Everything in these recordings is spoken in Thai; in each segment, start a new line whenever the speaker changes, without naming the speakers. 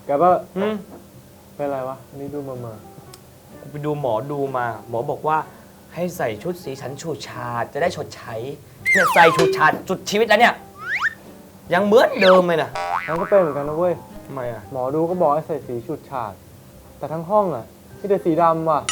แกว่าเป็นไรวะนี่ดูมา
ไปดูหมอดูมา หมอบอกว่าให้ใส่ชุดสีสันฉูดฉาดจะได้ชดใช้เนี่ยใส่ฉูดฉาดจุดชีวิตแล้วเนี่ยยังเหมือนเดิมเลยนะ
งั้นก็เป็นเหมือนกันนะเว้ย
ทำไมอ่ะ
หมอดูก็บอกให้ใส่สีฉูดฉาดแต่ทั้งห้องอ่ะมีแต่สีดำว่ะ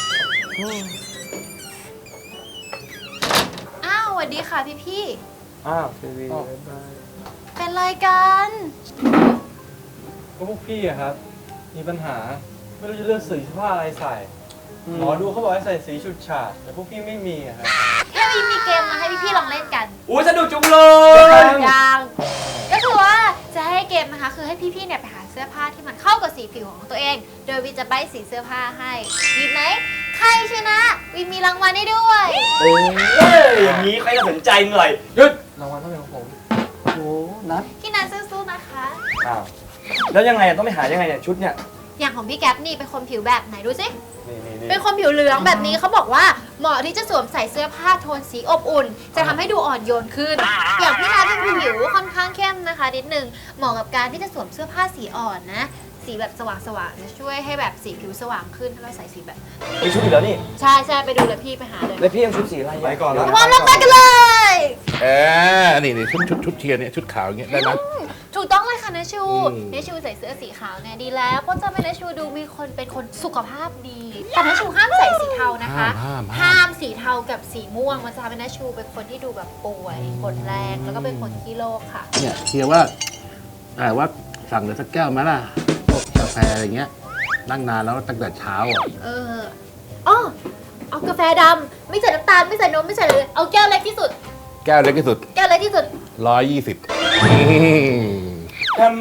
อ้าวสวัสดีค่ะพี่
อ้าวทีวี
ๆเป็นไรกัน
ก็พวกพี่อะครับมีปัญหาไม่รู้จะเลือกสีผ้าอะไรใส่หมอดูเขาบอกให้ใส่สีฉูดฉาดแต่พวกพี่ไม่มีอะครับ
เทวีมีเกมมาให้พี่ๆลองเล่นกัน
อุ้ยสนุกจุงเลย
ยังก็คือว่าจะให้เกมนะคะคือให้พี่ๆเนี่ยไปหาเสื้อผ้าที่มันเข้ากับสีผิวของตัวเอง โดยวินจะใบ้สีเสื้อผ้าให้ดีไหมใครชนะวินมีรางวัลให้ด้วย
เอ้ยอย่างนี้ใครจะสนใจหน่อย
หยุดรางวัลต้องเป็นของผม
โอ้นัด
พี่นันสู้ๆนะคะ
อ้าวแล้วยังไงอะต้องไปหายังไงเนี่ยชุดเนี่ย
อย่างของพี่แก๊ปนี่เป็นคนผิวแบบไหนดูสิ
นี่
เป็นคนผิวเหลืองแบบนี้เขาบอกว่าเหมาะที่จะสวมใส่เสื้อผ้าโทนสีอบอุ่น จะทำให้ดูอ่อนโยนขึ้น อย่างพี่นัทเป็นผิวค่อนข้างเข้มนะคะนิดนึงเหมาะกับการที่จะสวมเสื้อผ้าสีอ่อนนะสีแบบสว่างๆจะช่วยให้แบบสีผิวสว่างขึ้นถ้าเราใส่สีแบบ
มีชุดอีกแล้วนี่
ใช่ไปดูเลยพี่ไปหาเลย
แล้วพี่ยังชุดสีอะไระ
ไปก่อนแล้ว
พร้อมแล้วไปกันเลย
นี่ชุดเทียร์เนี่ยชุดขาวอย่างเงี้ยได้ไหม
ถูกต้องเลยค่ะเนชู
อืม
เนชูใส่เสื้อสีขาวเนี่ยดีแล้วเพราะจะเป็นเนชูดูมีคนเป็นคนสุขภาพดีแต่เนชูห้ามใส่สีเทานะคะ ห้ามสีเทากับสีม่วงมันจะทำให้เนชูเป็นคนที่ดูแบบป่วยปวดแรงแล้วก็เป็นคนขี้โรคค่ะ
เนี่ยเทียร์ว่าสั่งเลยสักแก้วไหมล่ะพวกกาแฟอะไรเงี้ยนั่งนานแล้วตั้งแต่เช้าอ่ะ
อ๋อเอากาแฟดำไม่ใส่น้ำตาลไม่ใส่นมไม่ใส่เลยเอาแก้วเล็กที่สุด
แก้วเล็กที่สุด
แก้วเล็กที่สุด
120
ทำ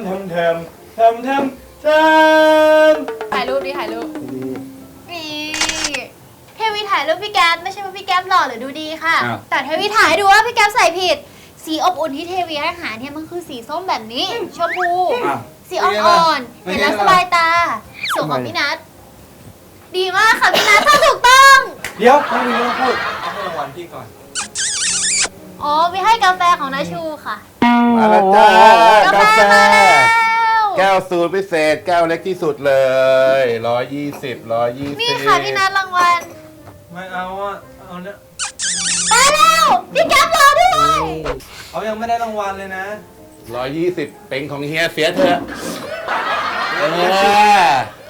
ถ่ายรูปดิถ่ายรูปนี่เทวีถ่ายรูปพี่แก๊ปไม่ใช่ว่าพี่แก๊ปหล่อหรือดูดีค่ะ
อ้าว
แต่เทวีถ่ายให้ดูว่าพี่แก๊ปใส่ผิด สีอบอุ่นที่เทวีให้หาเนี่ยมันคือสีส้มแบบนี้ชมพูสีอ่อนๆเห็นแล้วสบายตาส่วนของพี่นัทดีมากค่ะพี่นัททำถูกต้อง
เดี๋ยวไม่มีเรื่องพูดเอาให้รางวัลพี่ก่อน
อ๋อมีให้กาแฟของนาชูค่ะ
มาแล้วจ้าก
าแฟ
กาแฟ
มาแล้ว
แก้วสูตรพิเศษแก้วเล็กที่สุดเลย 120
นี่ค่ะพี่นัทรางวัล
ไม่เอาอ่ะเอาเนี่ย
ไปแล้วพี่แก๊ปรอด้วย
เขายังไม่ได้รางวัลเลยนะ
120เป็นของเฮียเสียเถอะ